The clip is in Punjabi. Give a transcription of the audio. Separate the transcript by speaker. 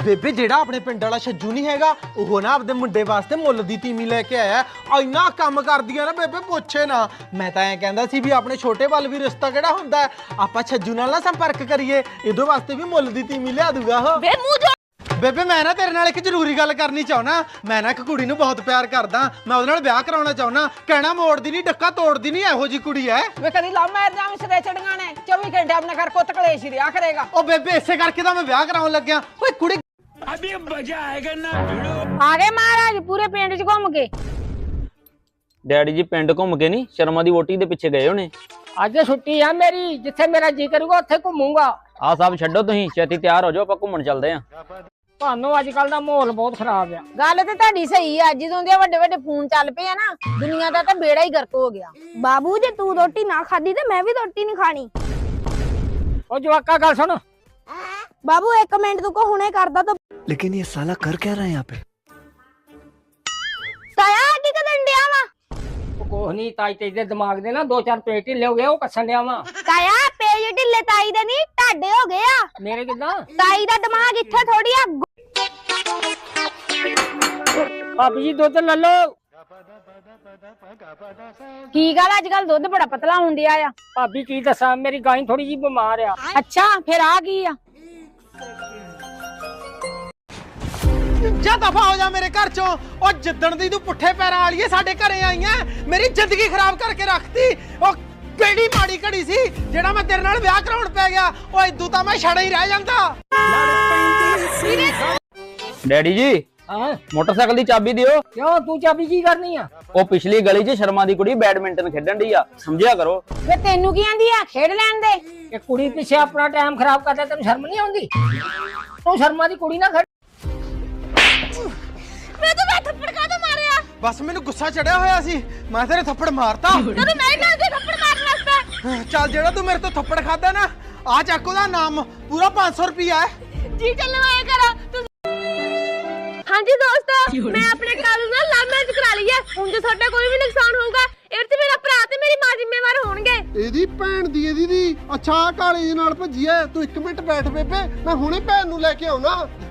Speaker 1: ਬੇਬੇ ਜਿਹੜਾ ਆਪਣੇ ਪਿੰਡ ਵਾਲਾ ਛੱਜੂ ਨਹੀਂ ਹੈਗਾ ਉਹ ਨਾ ਆਪਦੇ ਮੁੰਡੇ ਵਾਸਤੇ ਮੁੱਲ ਦੀ ਤੀਮੀ ਲੈ ਕੇ ਆਇਆ। ਇੰਨਾ ਕੰਮ ਕਰਦੀ ਆ ਨਾ ਬੇਬੇ ਪੁੱਛੇ ਨਾ। ਮੈਂ ਤਾਂ ਐਂ ਕਹਿੰਦਾ ਸੀ ਵੀ ਆਪਣੇ ਛੋਟੇ ਵੱਲ ਵੀ ਰਿਸ਼ਤਾ ਕਿਹੜਾ ਹੁੰਦਾ, ਆਪਾਂ ਛੱਜੂ ਨਾਲ ਨਾ ਸੰਪਰਕ ਕਰੀਏ, ਇਹਦੇ ਵਾਸਤੇ ਵੀ ਮੁੱਲ ਦੀ ਤੀਮੀ ਲਿਆ ਦੂਗਾ ਉਹ। ਬੇਬੇ ਮੈਂ ਨਾ ਤੇਰੇ ਨਾਲ ਇੱਕ ਜ਼ਰੂਰੀ ਗੱਲ ਕਰਨੀ ਚਾਹੁੰਦਾ। ਮੈਂ ਨਾ ਇੱਕ ਕੁੜੀ ਨੂੰ ਬਹੁਤ ਪਿਆਰ ਕਰਦਾ, ਮੈਂ ਉਹਦੇ ਨਾਲ ਵਿਆਹ ਕਰਾਉਣਾ ਚਾਹੁੰਦਾ। ਕਹਿਣਾ ਮੋੜਦੀ ਨਹੀਂ, ਡੱਕਾ ਤੋੜਦੀ ਨਹੀਂ, ਇਹੋ ਜੀ ਕੁੜੀ ਐ।
Speaker 2: ਵੇ ਕਦੀ ਲਾ ਮਾਰ ਜਾਵੇਂ ਸਦੇ ਚੜੀਆਂ ਨੇ 24 ਘੰਟੇ ਆਪਣੇ ਘਰ ਕੁੱਤ ਕਲੇਸ਼ ਹੀ ਰਿਹਾ ਕਰੇਗਾ।
Speaker 1: ਉਹ ਬੇਬੇ ਇਸੇ ਕਰਕੇ ਤਾਂ ਮੈਂ ਵਿਆਹ ਕਰਾਉਣ ਲੱਗਿਆ। ਓਏ ਕੁੜੀ
Speaker 3: अभी मजा आएगा ना भिड़ो।
Speaker 4: आ गए महाराज पूरे पिंड च घूम के।
Speaker 5: डैडी जी पिंड घूम के नहीं शर्मा दी वोटी दे पिछे गए होने।
Speaker 2: ਅੱਜ ਛੁੱਟੀ ਆ ਮੇਰੀ, ਜਿੱਥੇ ਮੇਰਾ ਜੀ ਕਰੂਗਾ ਉੱਥੇ ਘੁੰਮੂਗਾ।
Speaker 5: आ साहब छड्डो तुसीं छेती तैयार हो जाओ ਆਪਾਂ ਘੁੰਮਣ ਚੱਲਦੇ ਆਂ।
Speaker 2: ਤੁਹਾਨੂੰ ਅੱਜ ਕੱਲ ਦਾ ਮਾਹੌਲ ਬਹੁਤ ਖਰਾਬ ਆ।
Speaker 4: गल ते तुहाडी सही है, ਜਦੋਂ ਦੇ ਵੱਡੇ ਵੱਡੇ ਫੋਨ ਚੱਲ ਪਏ ਆ ਨਾ ਦੁਨੀਆ ਦਾ ਤਾਂ ਬੇੜਾ ਹੀ ਗਰਕ ਹੋ ਗਿਆ। ਬਾਬੂ ਜੇ ਤੂੰ ਰੋਟੀ ਨਾ ਖਾਦੀ ਤੇ ਮੈਂ ਵੀ ਰੋਟੀ ਨਹੀਂ ਖਾਣੀ।
Speaker 2: ਉਹ ਜਵਾਕਾ ਗੱਲ ਸੁਣ,
Speaker 4: ਬਾਬੂ 1 ਮਿੰਟ ਤੂੰ ਕੋ ਹੁਣੇ ਕਰਦਾ ਤਾਂ।
Speaker 6: लेकिन ये साला कर क्या रहा है यहाँ पे?
Speaker 4: ਤਾਇਆ ਕੀ ਕਰਨ ਡਿਆ ਵਾ?
Speaker 2: ਉਹ ਕੋਹ ਨਹੀਂ ਤਾਈ ਤੇਰੇ ਦਿਮਾਗ ਦੇ ਨਾ 2-4 ਪੇਟ ਢਿੱਲੇ ਹੋ ਗਏ, ਉਹ ਕੱਸਣ ਡਿਆ ਵਾ।
Speaker 4: ਤਾਇਆ ਪੇਜ ਢਿੱਲੇ ਤਾਈ ਦੇ ਨਹੀਂ ਢਾਡੇ ਹੋ ਗਏ ਆ।
Speaker 2: ਮੇਰੇ ਕਿਦਾਂ
Speaker 4: ਤਾਈ ਦਾ ਦਿਮਾਗ ਇੱਥੇ ਥੋੜੀ ਆ।
Speaker 2: ਭਾਬੀ ਜੀ ਦੁੱਧ ਲੈ ਲਓ।
Speaker 4: ਕੀ ਗੱਲ ਅੱਜ ਕੱਲ ਦੁੱਧ ਬੜਾ ਪਤਲਾ ਹੋਣ ਡਿਆ ਆ।
Speaker 2: ਭਾਬੀ ਕੀ ਦੱਸਾਂ, ਮੇਰੀ ਗਾਂ ਥੋੜੀ ਜੀ ਬਿਮਾਰ ਆ।
Speaker 4: ਅੱਛਾ ਫਿਰ ਆ ਕੀ ਆ?
Speaker 1: ਜਾ ਦਫਾ ਹੋ ਜਾ ਮੇਰੇ ਘਰ ਚੋਂ। ਉਹ ਜਿੱਦਣ ਦੀ ਤੂੰ ਪੁੱਠੇ ਪੈਰਾਂ ਵਾਲੀਏ ਸਾਡੇ ਘਰੇ ਆਈਆਂ, ਮੇਰੀ ਜ਼ਿੰਦਗੀ ਖਰਾਬ ਕਰਕੇ ਰੱਖਤੀ। ਉਹ ਕਿਹੜੀ ਮਾੜੀ ਘੜੀ ਸੀ ਜਿਹੜਾ ਮੈਂ ਤੇਰੇ ਨਾਲ ਵਿਆਹ ਕਰਾਉਣ ਪੈ ਗਿਆ। ਉਹ ਇਦੋਂ ਤਾਂ ਮੈਂ ਛੜਾ ਹੀ ਰਹਿ ਜਾਂਦਾ।
Speaker 5: डैडी जी
Speaker 2: ਹਾਂ
Speaker 5: मोटरसाइकिल दी चाबी दियो।
Speaker 2: ਕਿਉਂ ਤੂੰ ਚਾਬੀ ਕੀ ਕਰਨੀ ਆ?
Speaker 5: ਉਹ ਪਿਛਲੀ ਗਲੀ 'ਚ ਸ਼ਰਮਾ ਦੀ ਕੁੜੀ ਬੈਡਮਿੰਟਨ ਖੇਡਣ ਢੀ ਆ, ਸਮਝਿਆ ਕਰੋ।
Speaker 4: ਵੇ ਤੈਨੂੰ ਕੀ ਆਂਦੀ ਆ, ਖੇਡ ਲੈਣ ਦੇ।
Speaker 2: ਇਹ ਕੁੜੀ ਪਿੱਛੇ ਆਪਣਾ ਟਾਈਮ ਖਰਾਬ ਕਰਦਾ, ਤੈਨੂੰ ਸ਼ਰਮ ਨਹੀਂ ਆਉਂਦੀ? ਤੂੰ ਸ਼ਰਮਾ ਦੀ ਕੁੜੀ ਨਾ ਖੜ।
Speaker 4: ਮੈਂ ਤਾਂ ਥੱਪੜ ਕਾਹਤੋਂ ਮਾਰਿਆ?
Speaker 1: ਬਸ ਮੈਨੂੰ ਗੁੱਸਾ ਚੜਿਆ ਹੋਇਆ ਸੀ, ਮੈਂ ਤੇਰੇ ਥੱਪੜ ਮਾਰਤਾ।
Speaker 4: ਤੈਨੂੰ ਮੈਂ ਕਹਿੰਦੀ ਥੱਪੜ ਮਾਰਨ ਵਾਸਤੇ।
Speaker 1: ਚੱਲ ਜਿਹੜਾ ਤੂੰ ਮੇਰੇ ਤੋਂ ਥੱਪੜ ਖਾਦਾ ਨਾ, ਆ ਚੱਕ ਉਹਦਾ ਨਾਮ, ਪੂਰਾ 500 ਰੁਪਿਆ ਹੈ।
Speaker 4: ਜੀ ਚੱਲੋ ਆਇਆ ਕਰਾ ਤੁਸੀਂ। ਹਾਂਜੀ ਦੋਸਤੋ, ਮੈਂ ਆਪਣੇ ਕਾਲੂ ਨਾਲ ਲਵ ਮੈਰਿਜ ਕਰਾ ਲਈ ਹੈ। ਹੁਣ ਜੇ ਤੁਹਾਡਾ ਕੋਈ ਵੀ ਨੁਕਸਾਨ ਹੋਊਗਾ ਇਹ ਤੇ ਮੇਰਾ ਭਰਾ ਤੇ ਮੇਰੀ ਮਾਂ ਜ਼ਿੰਮੇਵਾਰ ਹੋਣਗੇ।
Speaker 1: ਇਹਦੀ ਭੈਣ ਦੀ ਇਹਦੀ ਅੱਛਾ ਕਾਲੀ ਨਾਲ ਭੱਜੀ ਐ। ਤੂੰ 1 ਮਿੰਟ ਬੈਠ ਬੇਬੇ, ਮੈਂ ਹੁਣੇ ਭੈਣ ਨੂੰ ਲੈ ਕੇ ਆਉਣਾ।